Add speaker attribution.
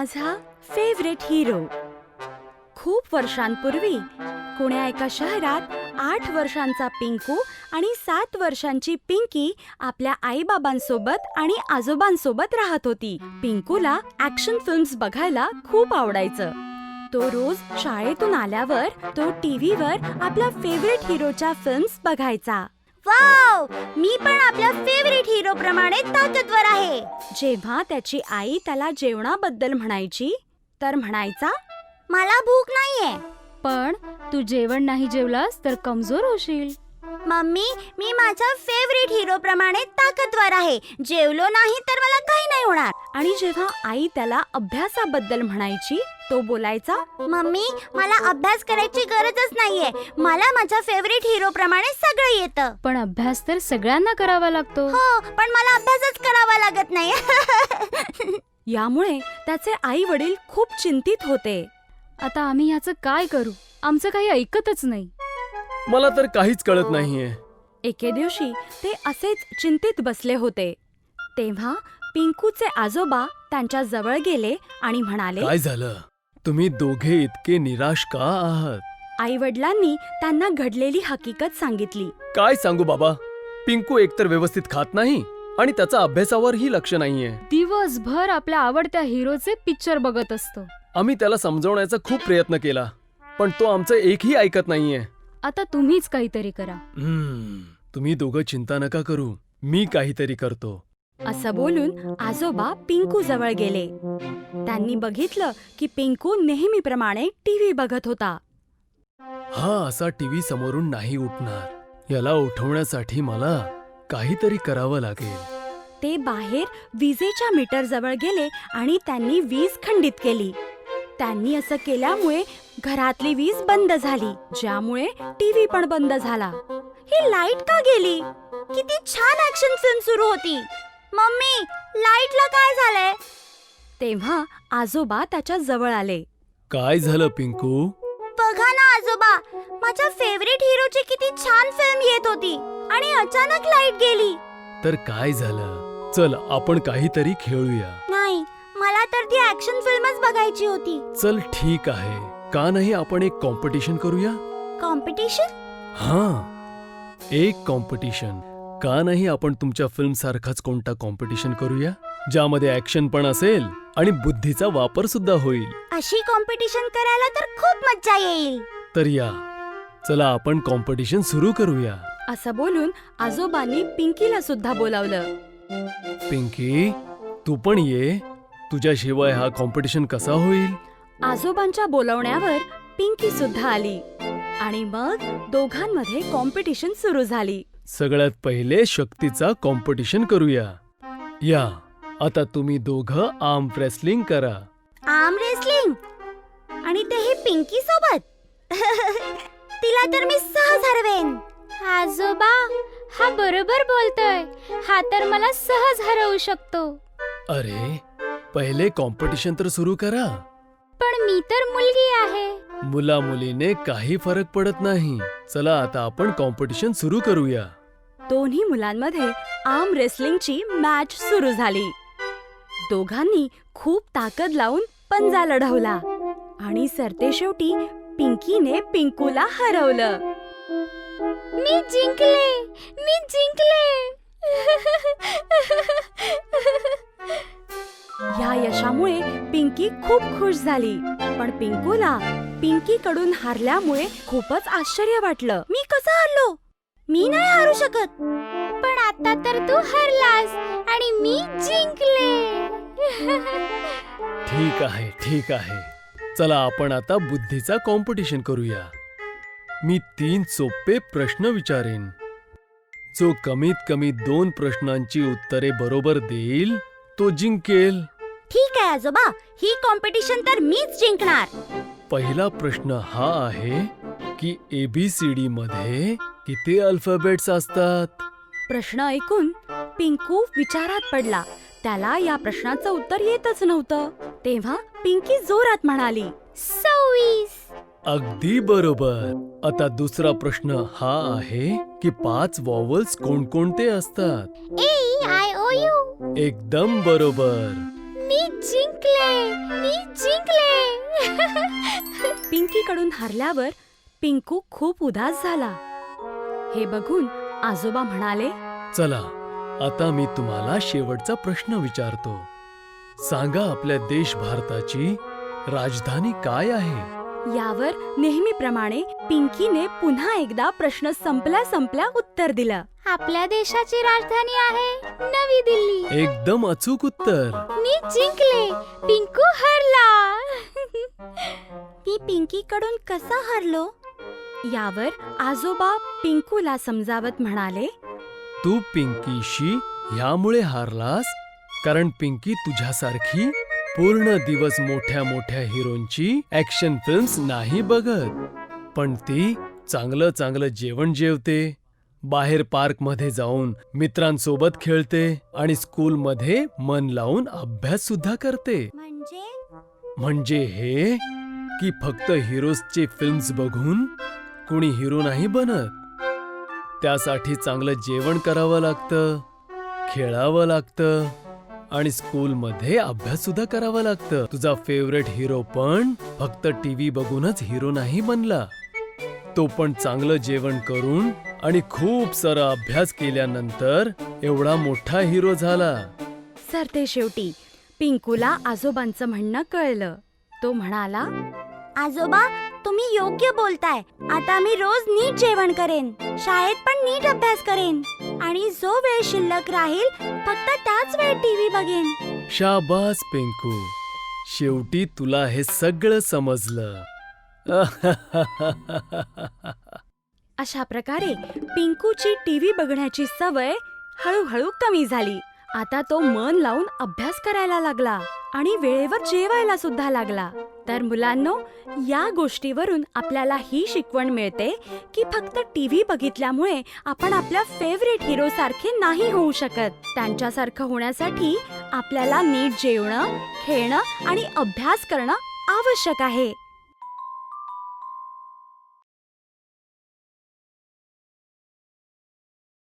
Speaker 1: माझा favourite hero. खूप वर्षांपूर्वी कोण्या एका शहरात 8 वर्षांचा पिंकू आणि 7 वर्षांची पिंकी आपल्या आईबाबांसोबत आणि आजोबांसोबत राहत होती. पिंकूला ॲक्शन फिल्म्स बघायला खूप आवडायचं. तो रोज शाळेतून आल्यावर तो टीव्हीवर आपल्या फेवरेट हिरोच्या फिल्म्स बघायचा.
Speaker 2: वाव, मी पण आपल्या फेवरेट हिरो प्रमाणे ताकदवर आहे.
Speaker 1: जेव्हा त्याची आई त्याला जेवणाबद्दल म्हणायची तर म्हणायचा,
Speaker 2: मला भूक नाहीये.
Speaker 3: पण तू जेवण नाही जेवलास तर कमजोर होशील.
Speaker 2: मम्मी, मी माझ्या फेवरेट हिरो प्रमाणे ताकदवर आहे. जेवलो नाही तर मला काही नाही होणार.
Speaker 1: आणि जेव्हा आई त्याला अभ्यासाबद्दल म्हणायची तो बोलायचा,
Speaker 2: मम्मी, मला अभ्यास करायची गरजच नाहीये. मला माझ्या फेवरेट हिरो प्रमाणे सगळं येतं.
Speaker 3: पण अभ्यास तर सगळ्यांना करावा लागतो.
Speaker 2: हो, पण मला अभ्यासच करावा लागत नाही.
Speaker 1: यामुळे त्याचे आई वडील खूप चिंतित होते.
Speaker 3: आता आम्ही ह्याचं काय करू? आमचं काही ऐकतच नाही.
Speaker 4: मला तर काहीच कळत नाहीये.
Speaker 1: एके दिवशी ते असेच चिंतित बसले होते. तेव्हा पिंकूचे आजोबा त्यांच्या जवळ गेले आणि म्हणाले,
Speaker 4: काय झालं? तुम्ही दोघे इतके निराश का आहात?
Speaker 1: आई वडिलांनी त्यांना घडलेली हकीकत सांगितली.
Speaker 4: काय सांगू बाबा, पिंकू एकतर व्यवस्थित खात नाही आणि त्याचा अभ्यासावरही लक्ष नाहीये.
Speaker 3: दिवसभर आपल्या आवडत्या हिरोचे पिक्चर बघत असतो.
Speaker 4: आम्ही त्याला समजवण्याचा खूप प्रयत्न केला, पण तो आमचं एकही ऐकत नाहीये.
Speaker 3: आता तुम्हीच काहीतरी करा.
Speaker 4: तुम्ही दोघं चिंता नका करू, मी काहीतरी करतो.
Speaker 1: असं बोलून आजोबा पिंकू जवळ गेले. त्यांनी बघितलं की पिंकू नेहमीप्रमाणे टीव्ही बघत होता.
Speaker 4: हा असा टीव्ही समोरून नाही उठणार. याला उठवण्यासाठी मला काहीतरी करावं लागेल.
Speaker 1: ते बाहेर विजेच्या मीटर जवळ गेले आणि त्यांनी वीज खंडित केली. त्यांनी असं केल्यामुळे घरातली वीज बंद झाली, ज्यामुळे टीव्ही पण बंद झाला.
Speaker 2: ही लाईट का गेली? किती छान ऍक्शन फिल्म सुरू होती. मम्मी, लाईटला काय झालंय?
Speaker 1: तेव्हा आजोबा त्याच्या जवळ आले.
Speaker 4: काय झालं पिंकू?
Speaker 2: बघा ना आजोबा, माझ्या फेवरेट हिरोची किती छान फिल्म येत होती आणि अचानक लाईट गेली.
Speaker 4: तर काय झालं? चल आपण काहीतरी खेळूया.
Speaker 2: नाही, मला तर ती ऍक्शन फिल्मच बघायची होती.
Speaker 4: चल ठीक आहे, का नाही आपण एक कॉम्पिटिशन करूया?
Speaker 2: कॉम्पिटिशन?
Speaker 4: हा, एक कॉम्पिटिशन. का नाही आपण तुमच्या फिल्म सारखाच कोणता कॉम्पिटिशन करूया, ज्यामध्ये ऍक्शन पण असेल आणि बुद्धीचा वापर सुद्धा होईल.
Speaker 2: अशी कॉम्पिटिशन करायला तर खूप मज्जा येईल.
Speaker 4: तर या, चला आपण कॉम्पिटिशन सुरू करूया.
Speaker 1: असं बोलून आजोबांनी पिंकीला सुद्धा बोलावलं.
Speaker 4: पिंकी, तू पण ये. तुझ्याशिवाय हा कॉम्पिटिशन कसा होईल?
Speaker 1: आजोबांच्या बोलवण्यावर पिंकी सुद्धा आली आणि मग दोघांमध्ये कॉम्पिटिशन सुरू झाली.
Speaker 4: सगळ्यात पहिले शक्तीचा कॉम्पिटिशन करूया. या, आता तुम्ही दोघं आर्म रेसलिंग करा.
Speaker 2: Arm wrestling? आणि तेही पिंकी सोबत? तिला तर मी सहज हरवेन.
Speaker 3: आजोबा, हा बरोबर बोलतोय. हा तर मला सहज हरवू शकतो.
Speaker 4: अरे, पहिले कॉम्पिटिशन तर सुरू करा.
Speaker 3: पण मी तर मुलगी आहे.
Speaker 4: मुला मुलीने काही फरक पडत नाही. चला आता आपण कॉम्पिटिशन सुरू करूया.
Speaker 1: दोन्ही मुलांमध्ये आर्म रेसलिंगची मॅच सुरू झाली. दोघांनी खूप ताकद लावून पंजा लढवला आणि सरतेशेवटी पिंकीने पिंकूला हरवलं.
Speaker 3: मी जिंकले, मी जिंकले.
Speaker 1: या यशामुळे पिंकी खूप खुश झाली, पण पिंकूला पिंकीकडून हारल्यामुळे खूपच आश्चर्य वाटलं.
Speaker 2: मी कसं हरलो? मी नाही हारू शकत.
Speaker 3: पण आता तर तू हरलास आणि मी जिंकले.
Speaker 4: ठीक आहे, ठीक आहे. चला आपण आता बुद्धीचा कॉम्पिटिशन करूया. मी 3 सोपे प्रश्न विचारेन. जो कमीत कमी 2 प्रश्नांची उत्तरे बरोबर देईल तो जिंकेल.
Speaker 2: ठीक आहे आजोबा, ही कॉम्पिटिशन तर मीच जिंकणार.
Speaker 4: पहिला प्रश्न हा आहे की ABCD मध्ये किती अल्फाबेट्स असतात?
Speaker 1: प्रश्न ऐकून पिंकू विचारात पडला. त्याला या प्रश्नाचं उत्तर येतच नव्हतं. तेव्हा पिंकी जोरात म्हणाली,
Speaker 3: 26.
Speaker 4: अगदी बरोबर. आता दुसरा प्रश्न हा आहे की 5 वॉवल्स कोणकोणते असतात?
Speaker 3: A, I, O, U.
Speaker 4: एकदम बरोबर.
Speaker 3: मी जिंकले. मी जिंकले.
Speaker 1: पिंकीकडून हरल्यावर पिंकू खूप उदास झाला. हे बघून आजोबा म्हणाले,
Speaker 4: चला आता मी तुम्हाला शेवटचा प्रश्न विचारतो. सांगा, आपल्या देश भारताची राजधानी काय आहे?
Speaker 1: यावर नेहमीप्रमाणे पिंकीने पुन्हा एकदा प्रश्न संपल्या उत्तर दिलं.
Speaker 3: आपल्या देशाची राजधानी आहे नवी दिल्ली.
Speaker 4: एकदम अचूक उत्तर.
Speaker 3: मी जिंकले, पिंकू हरला.
Speaker 2: मी पिंकीकडून कसा हरलो?
Speaker 1: यावर आजोबा पिंकूला समजावत म्हणाले,
Speaker 4: तू पिंकीशी ह्यामुळे हारलास कारण पिंकी तुझ्यासारखी पूर्ण दिवस मोठ्या मोठ्या हिरोंची ऍक्शन फिल्म्स नाही बघत, पण ती चांगलं चांगलं जेवण जेवते, बाहेर पार्कमध्ये जाऊन मित्रांसोबत खेळते आणि स्कूलमध्ये मन लावून अभ्यास सुद्धा करते. म्हणजे हे की फक्त हिरोजचे फिल्म्स बघून कुणी हिरो नाही बनत. त्यासाठी चांगलं जेवण करावं लागतं, खेळावं लागतं आणि स्कूलमध्ये अभ्यास सुद्धा करावा लागतं. तुझा फेवरेट हिरो पण फक्त टीव्ही बघूनच हिरो नाही बनला, तो पण चांगलं जेवण करून आणि खूप सारा अभ्यास केल्यानंतर एवढा मोठा हिरो झाला.
Speaker 1: सरते शेवटी पिंकूला आजोबांचं म्हणणं कळलं. तो म्हणाला,
Speaker 2: आजोबा, तुम्ही योग्य बोलताय. आता मी रोज नीट जेवण करेन, शाळेत पण नीट अभ्यास करेन आणि जो वेळ शिल्लक राहील फक्त त्याच वेळ टीव्ही बघेन.
Speaker 4: शाबास पिंकू, शेवटी तुला हे सगळं समजलं.
Speaker 1: अशा प्रकारे पिंकूची टीव्ही बघण्याची सवय हळूहळू कमी झाली. आता तो मन लावून अभ्यास करायला लागला आणि वेळेवर जेवायला सुद्धा लागला. तर मुलांनो, या गोष्टीवरून आपल्याला ही शिकवण मिळते की फक्त टीव्ही बघितल्यामुळे आपण आपल्या फेवरेट हिरो सारखे नाही होऊ शकत. त्यांच्यासारखं होण्यासाठी आपल्याला नीट जेवणं, खेळणं आणि अभ्यास करणं आवश्यक आहे.